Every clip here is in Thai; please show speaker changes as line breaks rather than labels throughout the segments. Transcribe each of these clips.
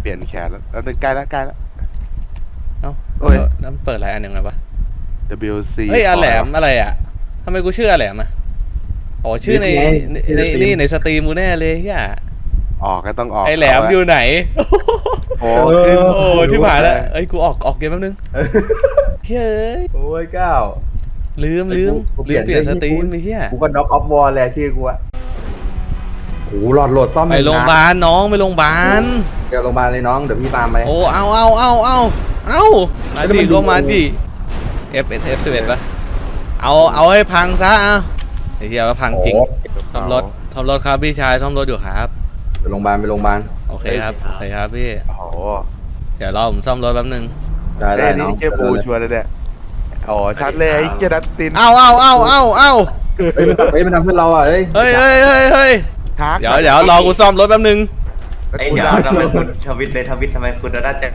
เปลี่ยนแขนแล้วใกล้แล้วใกล้แล้ว
เอ้าน้ำเปิดอะไรอันยังไงวะ
WC
เฮ้ยอาแหลมอะไรอ่ะทำไมกูชื่ออาแหลมอ่ะอ๋อชื่อในสตรีมมูแน่เลยเฮีย
ออกก็ต้องออก
ไอแหลมอยู่ไหน
โอ้
ชิบหายแล้วเอ้ยกูออกเกมแป๊บนึงเฮ้ย
โอ้ยก้าว
ลืมเปลี่ยนสตรีมไปเฮีย
กูก็น็อกออฟวอลแหละชื่อกูอะโอ้หลอดโหลดซ่อม
ไปโรงพยาบาลน้องไปโรงพยาบาล
เดี๋ยวโรงพยาบาลเลยน้องเดี๋ยวพี่ตามไป
โอ้เอามาดิก็มาดิ F11 ปะเอาให้พังซะไอ้เหี้ยว่าพังจริงซ่อมรถครับพี่ชายซ่อมรถอยู่ครับ
ไปโรงพยาบาล
โอเคครับพี่
โอ้โห
เดี๋ยวรอผมซ่อมรถแป๊บนึง
ได้
น้องเจ้าปูชัวร์เลยเนี่ยอ๋อชัดเลยไอ้เจ้าดัตติน
เอา
เฮ้ยมันทำเพื่อนเราอ่ะเฮ้ย
เดี๋ยวรอกูซ่อมรถแป๊บนึง
เดี๋ยวทำไมคุณทวิตทำไมคุณน่าจะ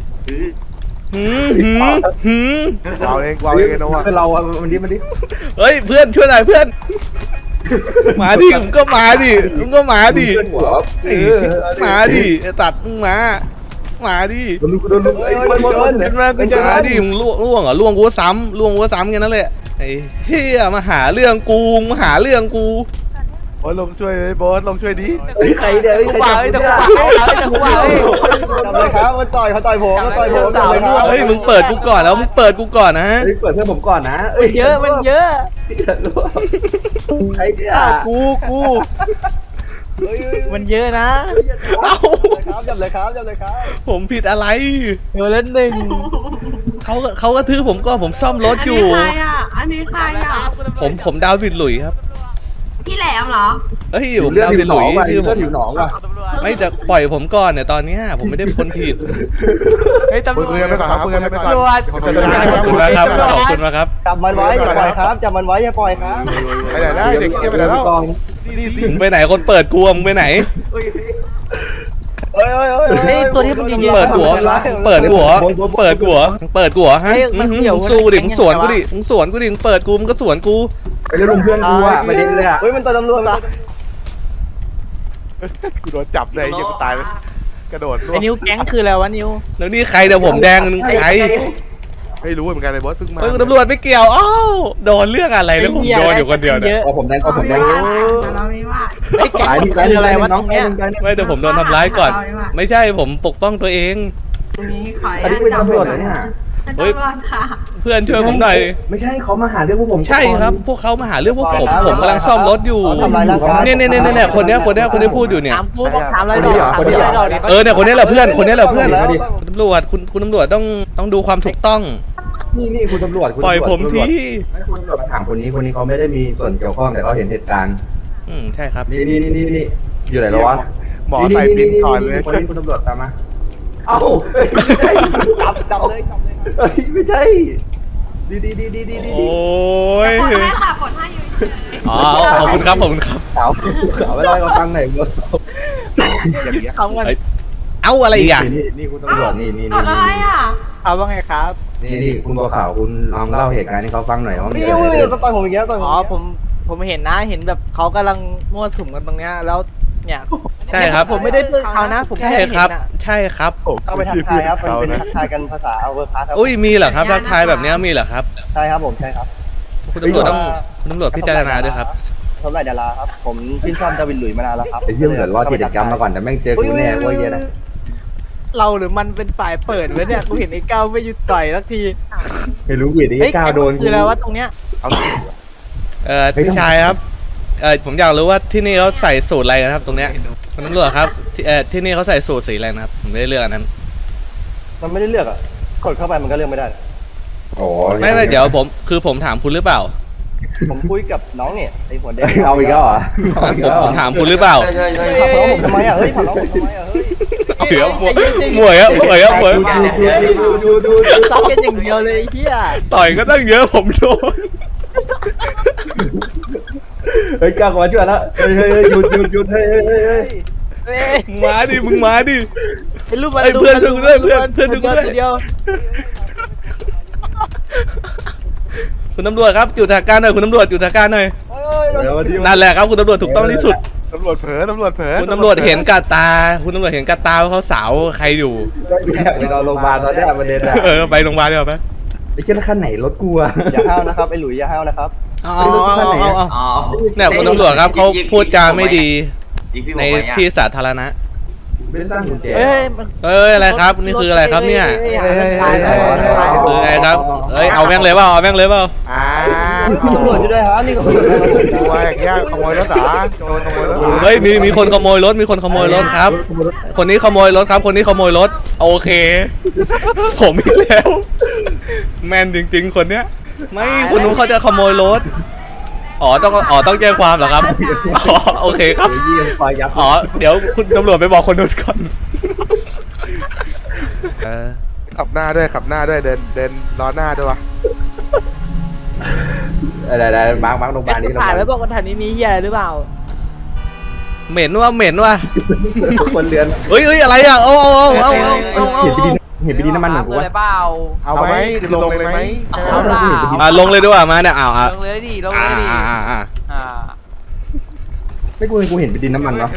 วางเองนะวะ
เพื่อนเราอ่ะมันดิ
เฮ้ยเพื่อนช่วยหน่อยเพื่อนมาดิมึงก็มาดิมาดิตัดมึงมาดิ
โดน
ขึ้นมากูจะมาดิมึงล่วงเหรอล่วงกูซ้ำแค่นั้นแหละไอ้เฮียมาหาเรื่องกู
โอ้ยลงช่วยโบ๊ทลงช่วยดิ
ใครเดี๋ยว
กูว่าจับเลยครับเขาต่อยผมจับเลยครับ
เฮ้ยมึงเปิดกูก่อนแล้วมึงเปิดกูก่อนนะ
เปิดเพื่อนผมก่อนนะ
มันเยอะ
ไอ้เนี่ย
กูมันเยอะนะจับเลยครับ
ผมผิดอะไร
เดี๋ยวเล่นหนึ่ง
เขาก็ถือผมก็ผมซ่อมรถอยู่
อันนี้ใครอ่ะ
ผมดาววิดหลุยครับ
พี่แหลมเหรอ
เฮ้ยผมดาววิดหลุยชื่อผม
หนองว่ะ
ไม่จะปล่อยผมก่อนเนี่ยตอนนี้ผมไม่ได้คนผิด
เฮ้ยตำรวจ
คุยกันไปก่อนครับ
ขอบคุณมากครับ
จับมันไว้อย่าปล่อยครับจับมันไว้อย่าปล่อยครับ
ไปไหนได้เด็กเกี้ยไปไหนแล้ว
มึงไปไหนคนเปิดกูมึงไปไหน
เฮ้ยตัวที่มึงยิง
เปิดหัวฮะสู้ดิมึงสวนกูดิมึงเปิดกูมึงก็สวนกู
ไปเล่นเพื่อนกูอ่ะไปเล่นเลยอ่ะ
เฮ้ยมันตัวตำรวจละ
กูโดนจับเลยยังตายเลยกระโดด
ไอ้นิ้วแก๊งคืออะไรวะนิ้ว
แล้วนี่ใครเดี๋ยวผมแดงนึงใคร
ไม่รู้เหมือนกันเลยบอสเพิ่งมา
ตำรวจไม่เกี่ยวอ้าวโดนเรื่องอะไรแล้วผมโดนอยู่คนเดียวเนี่ย
ผมแดง
ไอ้แก๊งคืออะไรวะน้อง
ไม่แต่ผมโดนทำร้ายก่อนไม่ใช่ผมปกป้องตัวเอง
อันนี้เป็นตำรวจเหรอเนี่ย
เฮ้ยเพื่อนช่วยผมหน่อย
ไม่ใช่เขามาหาเรื่องพวกผม
ใช่ครับพวกเขามาหาเรื่องพวกผมกำลังซ่อมรถอยู่เนี่ยคนนี้พูดอยู่เนี่ย
ถามกูถามอะไรหน่อย
เนี่ยคนนี้แหละเพื่อนคุณตำรวจคุณตำรวจต้องดูความถูกต้อง
นี่คุณตำรวจ
ปล่อยผมที
คุณตำรวจมาถามคนนี้เขาไม่ได้มีส่วนเกี่ยวข้องแต่เขาเห็นเหตุการณ์
ใช่ครับ
นี่อยู่ไหนแล้ววะ
หมอใส่ปิ้นถอนเลย
คนนี้คุณตำรวจตามมาเอ้าจับเลยไม่ใช่ดี
โอ้ย
กดให้ค่ะกดให้อยู่
อ๋อขอบคุณครับ
เอาไม่ได้ก็ฟังไหนเมื่อ
เอาอะไรอีกอ่ะ
นี่คุณตำรวจนี่
กดอะไรอ่ะ
เอาว่าไงครับ
นี่คุณบัวขาวคุณลองเล่าเหตุการณ์ให้เขาฟังหน่อยว่า
นี่ต้องต่อยผมอีกแล้วอ๋อผมเห็นนะเห็นแบบเขากำลังมั่วสุมกันตรงเนี้ยแล้วเนี่ย
ใช่ครับ
ผมไม่ได้พูดเขานะผม
ใช่ครับ
เอาไปทักทายครับเป็นทักทายกันภาษาเวอร์คลาสครับ
อุ้ยมีเหรอครับทักทายแบบนี้มีเหรอครับ
ใช่ครับผมใช่ครับ
คุณตำรวจพิจารณาด้วยครับ
ทำไรดาราครับผมชื่นชอบดาวินหลุยมานานแล้วครับ
ไอ้เรื่องเกิดรอดกิจกรรมมาก่อนแต่แม่งเจอกูแน่เว้ยนะ
เราหรือมันเป็นฝ่ายเปิดไว้เนี่ยกูเห็นไอ้ก้าวไม่หยุดต่อยสักที
ไม่รู้วิธีไอ้ก้าวโดน
คืออะไรวะตรงเนี้ย
พี่ชายครับผมอยากรู้ว่าที่นี่เขาใส่สูตรอะไรนะครับตรงเนี้ยคุณตำรวจครับที่นี่เขาใส่สูตรสีอะไรนะครับผมไม่ได้เลือกอันนั้น
มันไม่ได้เลือกอ่ะกดเข้าไปมันก็เลือกไม่ได้
โอ้
ไม่เดี๋ยวผมถามคุณหรือเปล่า
ผมคุยกับน้องเนี่ยไอ้หัวแดง
เอาอีกแล้วเหรอ
ผมถามคุณหรือเปล่า
ถามน้องผมทำไมอ่ะเฮ้ยถามน้องผมทำไมอ่ะเฮ้ย
หมวย
ดูซับกันอย่างเดียวเลยไอ้เหี้ย
ต่อยก็ตั้งเยอะผมโดน
เฮ้ยก้าวมาช่วยแล้วเฮ้ยหยุดเฮ้ย
มึงมาดิ
เป็นรูปมัน
เพื่อนดูด้วยเดียวคุณตำรวจครับอยู่ทางการหน่อยคุณตำรวจอยู่ทางการหน่อยนั่นแหละครับคุณตำรวจถูกต้องที่สุด
ำรวจเผลอตำรวจเผลอ
คุณตำรวจเห็นกับตา คุณตำรวจเห็นกับตาว่าเขาสาวใครอยู่
ไปนอนโรงพยาบาลตอนนี้ประเด็นอะ
เออไปโรงพยาบาลดีกว่าไหม
ไอ้เจ้าขั้นไหนรถกูอะอย่าห้าวนะครับไอ้หลุยอย่าห้าวนะครับ
เอา
อ๋อ
เนี่ยคุณตำรวจครับเขาพูดจาไม่ดี
ยิงพี่ผม
ใน
ไว้อะ
ที่สาธารณะ
ไม่ได้ตั้งกุญแจ
เอ้ยมัน
เอ้ยอะไรครับ นี่คืออะไรครับเนี่ย
ตายแล้ว
คือไงครับ เอ้ยเอาแม่งเลยเปล่าเอาแม่งเลยเปล่า
อ่า
คุณตำรวจอยู่ด้วยครับนี่ก็คุณตำรวจ
กลัวอย่างเงี้ยขโมยรถเหรอโจรขโมยรถเหรอ
เฮ้ยมีคนขโมยรถมีคนขโมยรถครับ คนนี้ขโมยรถครับ คนนี้ขโมยรถโอเค ผมอีกแล้ว แม่นจริง ๆ คนเนี้ย ไม่คุณนุ้เขาจะขโมยรถต้องแจ้งความเหรอครับอ๋อโอเคครับ
เยี่ยมคอยยับ
อ๋อเดี๋ยวคุณตำรวจไปบอกคนนู้นก่อนเออ
ขับหน้าด้วยขับหน้าด้วยเดินล้อหน้าด้วยวะ
ได้มาร์คโรงพยาบาลนี่
ผ่านแล้วบอกว่าแถวนี้มีเหี้ยหรือเปล่า
เหม็นว่ะ
คนเรือน
เฮ้ยอะไรอ่ะเอา
เห็นไปดีน้ำมันเหมือนกูวะ
เอาไหมลงเลยไหม
มาลงเลยดีกว่ามาเนี่ยเอา
ลงเลยดิลง
อ่า
เลยดิ
อ่า
ไม่กูเห็นไปดีน้ำมันเนาะ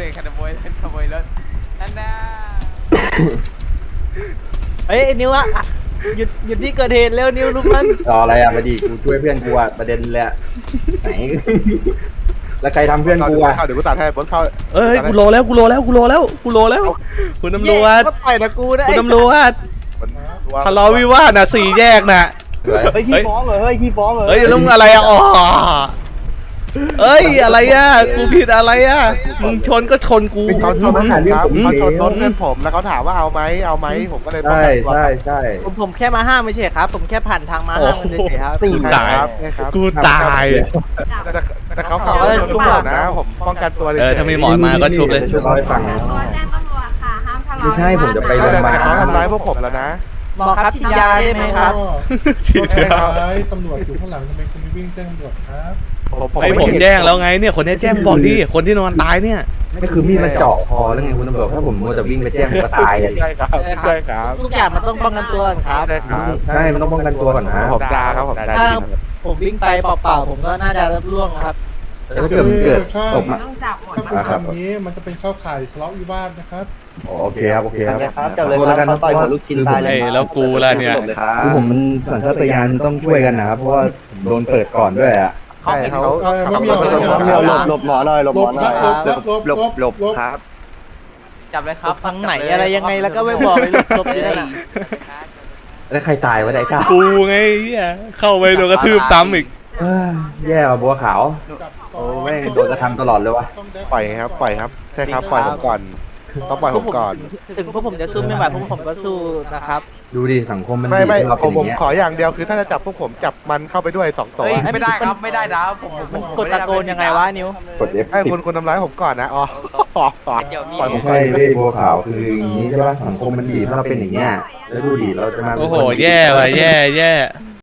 เฮ้ยไอ้นิ้วอะหยุดที่เกิดเหตุเร็วนิ้วลุกมัน
รออะไรอ่ะมาดิกูช่วยเพื่อนกูอ่ะประเด็นเลยอ่ะไหนแล้วใครทำเพื่อนกูอ่ะ
เดี๋ยวกูตัดให้บนเข้า
เอ้ยกูโลแล้วคุณตำรวจคุณตำรวจ
ก็ต่อยนะกูนะ
คุณตำรวจทะเลาะวิวาทน่ะ4 แยกน่ะ
เฮ้ยขี้ฟ้องเหรอเฮ้ยขี้ฟ้องเหรอ
เฮ้ยลุงอะไรอ่ะอ๋อเอ้ยอะไรอ่ะกูผิดอะไรอ่ะมึงชนก็ชนกู
เขาชนรถผมครับเขาชนรถเพื่อนผมแล้วเขาถามว่าเอาไหมผมก็เลยป้อง
ใช่
กันตัว
ใช่
ผมแค่มาห้ามไม่ใช่ครับ ผมแค่ผ่านทางมาห้ามมันเฉยๆครับ
กูตาย
ครับ
กูตาย
แต่เขาขับรถชนผมนะผมป้องกันตัวเลย
ถ้ามีหมอมาก็ชุบเลย
ช่วยเล่าให้ฟัง
แจ้งตำรวจค่ะ ห้ามทะเลาะ
ไม่ใช่ผมจะไปโรงพยาบาล
แต่เขาทำร้ายพวกผมแล้วนะ
หมอครับฉีดยาได้ไหมครับ
ฉีดยา
ตำรวจอยู่ข้างหลังทำไมคุณไม่วิ่งแจ้งตำรวจครับ
ไอผมแจ้งแล้วไงเนี่ยคนนี้แจ้งบอกดิคนที่นอนตายเนี่ย
ก็คือมีดมันเจาะคอแล้วไงคุณตำรวจถ้าผมมัวแต่วิ่งไปแจ้งผมก็ตายอ่ะ
ใช่ครับใช่ครับ
ทุกอย่างมันต้องป้องกันตัวก่อนครับ
ใช่ครับ
ใช่มันต้องป้องกันตัวก่อนนะ
ผมด่าครับผมด่า
ถ้าผมวิ่งไปเปล่าๆผมก็น่าจะรับร่วงครับ
แต่ถ้าเกิดมันเกิดตกมา
ต้องจับหมด
ถ้าคุณทำอย่างนี้มันจะเป็นเข้าข่ายทะเลาะวิวาทนะครับ
โอเคครับโอเคครับ
ครับจับเลยครับเขาต่อยหัวลูกชิ้นตายเลย
เอ้ยแล้วกูล่ะเนี่ย
คือผมมันสัญชาตญาณต้องช่วยกันนะครับเพราะว่าผมโดนเปิดก่อนด้วยอ่ะ
ใช่เขา
หลบหมอหน่อยหลบ
หล
หมอบ หน่
ค
อ
รั
ย
บหลบ
ครับ
จับเลยครับทางไหนอะไรยังไงแล้วก็ไม่บอกเลยลบๆนี่นั่นน่ะ
แล้วใครตายวะไอ้ก้า
กูไงเหี้ยเข้าไปโดนกระทืบซ้ำอีก
แย่ว่ะบัวขาว
จับ
โอ้แม่งโดนกระทำตลอดเลยวะ
ต้องได้
ปล่อยครับใช่ครับปล่อยผมก่อนต้องปล่อยผมก่อน
ถึงพวกผมจะสู้ไม่ไหวพวกผมก็สู้นะครับ
ดูดิสังคมมัน
ไม่
เรา
ผ
เป็น
ม
อย่างเงี้ย
ขออย่างเดียวคือถ้าจะจับพวกผมจับมันเข้าไปด้วย2 ตัว
ไม่ได้ครับไม่ได้นะผมกดตะโกนยังไงวะนิ้ว
กด F
ให้คุณทำร้ายผมก่อนนะอ๋อปล่อยผ
ไม่
มก่อ
ใช่
น
เว้ยบัวขาวคืออย่างนี้ใช่ป่ะสังคมมันดีถ้าเราเป็นอย่างเงี้ยแล้วดูดิเราจะมา
โอ้โหแย่ว่ะแย่